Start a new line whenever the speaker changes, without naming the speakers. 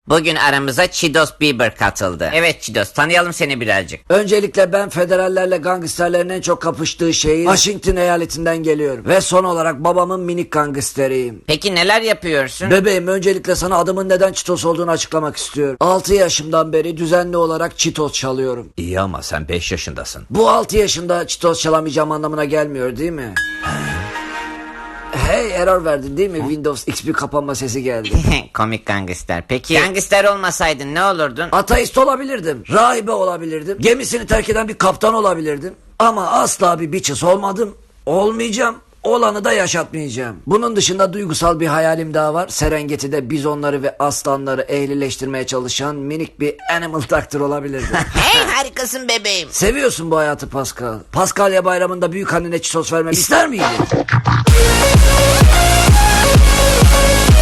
Bugün aramıza Çidos Bieber katıldı. Evet Çidos, tanıyalım seni birazcık.
Öncelikle ben federallerle gangsterlerin en çok kapıştığı şehir Washington eyaletinden geliyorum. Ve son olarak babamın minik gangsteriyim.
Peki neler yapıyorsun?
Bebeğim, öncelikle sana adımın neden Çitos olduğunu açıklamak istiyorum. 6 yaşımdan beri düzenli olarak Çitos çalıyorum.
İyi ama sen 5 yaşındasın.
Bu 6 yaşında Çitos çalamayacağım anlamına gelmiyor değil mi? Hey, error verdin değil mi? Windows XP kapanma sesi geldi.
Komik gangster. Peki gangster olmasaydın ne olurdun?
Ateist olabilirdim. Rahibe olabilirdim. Gemisini terk eden bir kaptan olabilirdim. Ama asla bir bitches olmadım. Olmayacağım. Olanı da yaşatmayacağım. Bunun dışında duygusal bir hayalim daha var. Serengeti'de bizonları ve aslanları ehlileştirmeye çalışan minik bir animal doctor olabilirdim.
Hey harikasın bebeğim.
Seviyorsun bu hayatı Pascal. Paskalya bayramında büyük annene çitos vermemi ister miydin?